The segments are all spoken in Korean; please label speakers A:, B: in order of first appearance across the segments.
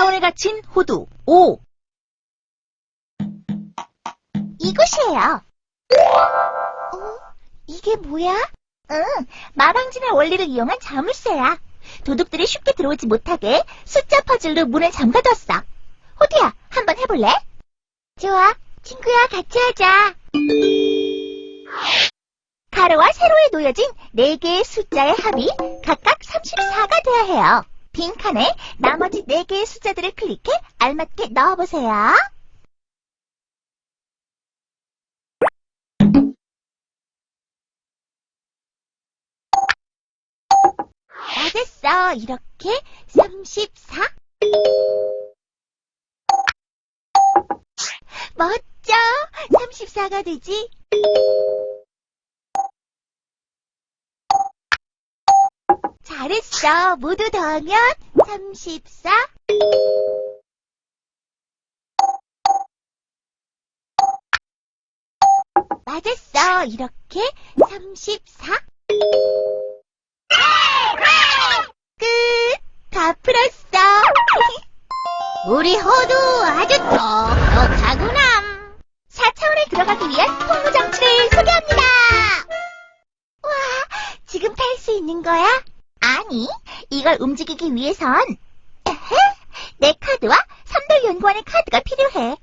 A: 4차원에 갇힌 호두 5.
B: 이곳이에요. 이게 뭐야? 마방진의 원리를 이용한 자물쇠야. 도둑들이 쉽게 들어오지 못하게 숫자 퍼즐로 문을 잠가뒀어. 호두야, 한번 해볼래? 좋아, 친구야, 같이 하자. 가로와 세로에 놓여진 4개의 숫자의 합이 각각 34가 되어야 해요. 빈칸에 나머지 4개의 숫자들을 클릭해 알맞게 넣어보세요. 맞았어. 이렇게 34. 멋져. 34가 되지. 잘했어. 모두 더하면 34. 맞았어. 이렇게 34. 끝! 다 풀었어. 우리 호두 아주 똑똑하구나. 4차원에 들어가기 위한 통로 장치를 소개합니다. 와, 지금 탈 수 있는 거야? 아니, 이걸 움직이기 위해선 내 카드와 삼돌연구원의 카드가 필요해.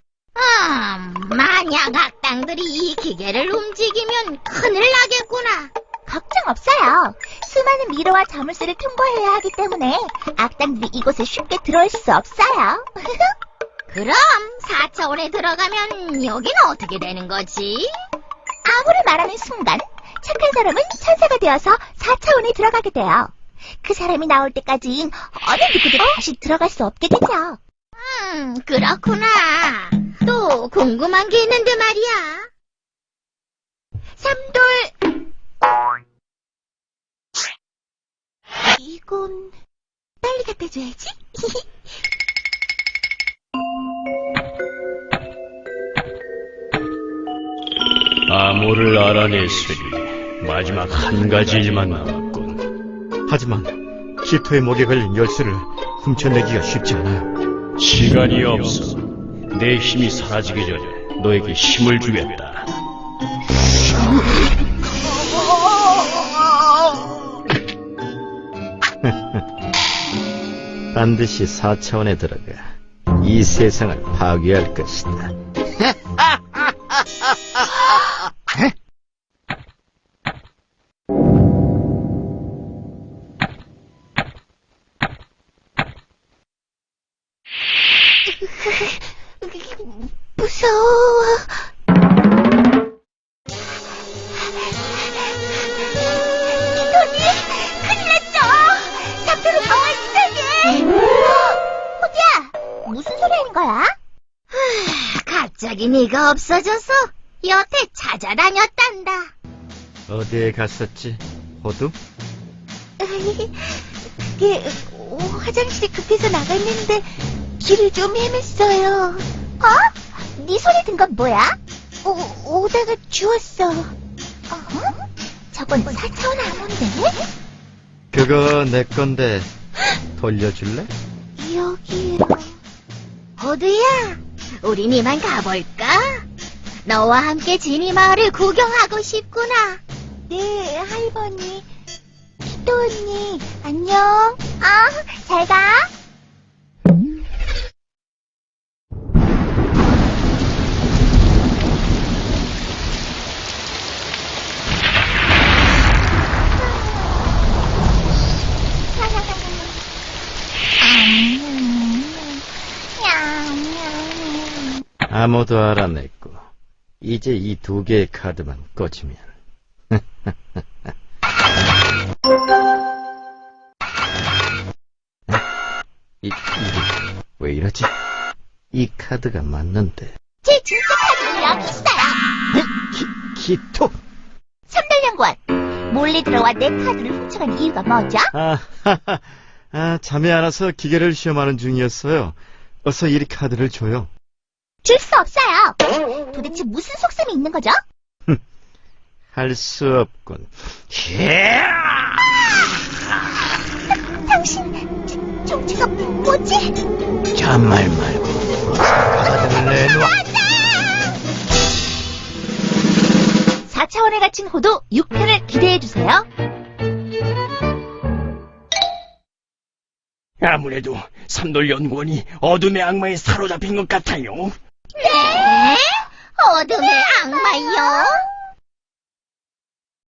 C: 만약 악당들이 이 기계를 움직이면 큰일 나겠구나.
B: 걱정 없어요. 수많은 미로와 자물쇠를 통과해야 하기 때문에 악당들이 이곳에 쉽게 들어올 수 없어요.
C: 그럼 4차원에 들어가면 여긴 어떻게 되는 거지?
B: 아무를 말하는 순간 착한 사람은 천사가 되어서 4차원에 들어가게 돼요. 그 사람이 나올 때까지는 어느 누구도 다시 들어갈 수 없게 되죠.
C: 그렇구나. 또 궁금한 게 있는데 말이야.
B: 삼돌. 이건 빨리 갖다 줘야지.
D: 암호를 알아냈으니 마지막 한 가지 일만 남았군.
E: 하지만 키토의 목에 걸린 열쇠를 훔쳐내기가 쉽지 않아요.
D: 시간이 없어. 내 힘이 사라지기 전에 너에게 힘을 주겠다.
E: 반드시 4차원에 들어가 이 세상을 파괴할 것이다.
B: 무서워. 기돈이 큰일 났어. 삼돌은 정말 이상해. 호두야, 무슨 소리 하는 거야?
C: 갑자기 네가 없어져서 여태 찾아다녔단다.
E: 어디에 갔었지, 호두?
B: 그게 화장실이 급해서 나갔는데 길을 좀 헤맸어요. 네 소리 든 건 뭐야? 오다가 주웠어. 저건 4차원 암호인데?
E: 그거 내 건데 돌려줄래?
B: 여기요.
C: 호두야, 우린 이만 가볼까? 너와 함께 지니 마을을 구경하고 싶구나.
B: 네, 할머니. 키토 언니, 안녕. 잘 가.
E: 아무도 알아냈고 이제 이 2개의 카드만 꽂으면 이게 왜 이러지? 이 카드가 맞는데.
B: 제 진짜 카드는 여기 있어요.
E: 키토!
B: 삼돌연구원, 몰래 들어와 내 카드를 훔쳐간 이유가 뭐죠?
E: 잠이 안 와서 기계를 시험하는 중이었어요. 어서 이 카드를 줘요.
B: 줄 수 없어요. 도대체 무슨 속셈이 있는 거죠?
E: 할 수 없군.
B: 당신 좀 저거 뭐지?
E: 잔말 말고 가사들을 내놔.
A: 4차원에 갇힌 호두 6편을 기대해주세요.
D: 아무래도 삼돌연구원이 어둠의 악마에 사로잡힌 것 같아요.
C: 네? 어둠의 악마요?